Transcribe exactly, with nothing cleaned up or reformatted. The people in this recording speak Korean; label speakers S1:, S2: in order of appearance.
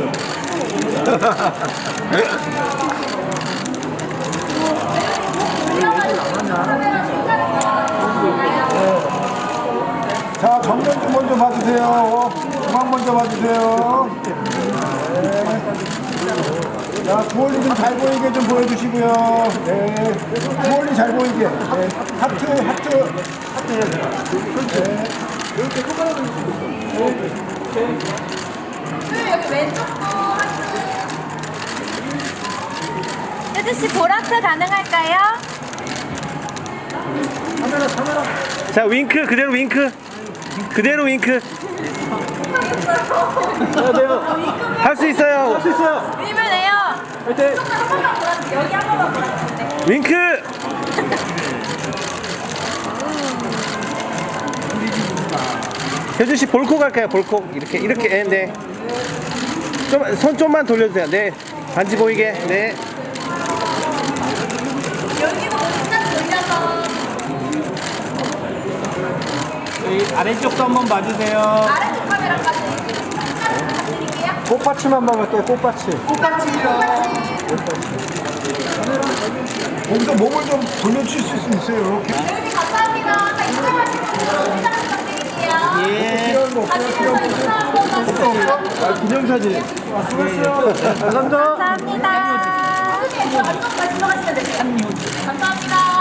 S1: 자, 정면 좀 먼저 봐주세요. 중앙 먼저 봐주세요. 네. 자, 구월리 좀 잘 보이게 좀 보여주시고요. 네. 구월리 잘 보이게. 네. 하트, 하트. 하트 해야 돼요. 네. 이렇게 손가락을 네.
S2: 여기 왼쪽 거 혜주씨 보라트 가능할까요?
S1: 카메라, 카메라.
S3: 자, 윙크 그대로 윙크. 그대로 윙크.
S1: 해야 돼요.
S3: 할 수 있어요.
S1: 할 수 있어요.
S2: 밀면 돼요.
S1: 화이팅!
S2: 한 번만 보라주세요. 여기 한 번만 보라주세요.
S3: 윙크. 효준 씨 볼콕 할까요? 볼콕 이렇게 이렇게. 네. 좀 손 좀만 돌려주세요. 네. 반지 보이게. 네.
S2: 여기도 살짝 돌려서
S1: 여기 아래쪽도 한번 봐주세요.
S2: 아래쪽 카메라까지 살짝 부탁드릴게요.
S1: 꽃받침 한번 할게요. 꽃받침.
S2: 꽃받침이요.
S1: 거기서 몸을 좀 돌려주실 수 있어요. 이렇게.
S2: 여기 감사합니다. 자, 인사하시고 인사 부탁드릴게요.
S1: 예. 필요한 거 없어요? 필요한 거
S2: 인사 한 번만 주세요.
S1: 아, 기념사진. 아, 수고했어요. 감사합니다.
S2: 감사합니다. 안쪽 마지막 하시면 되세요. 감사합니다.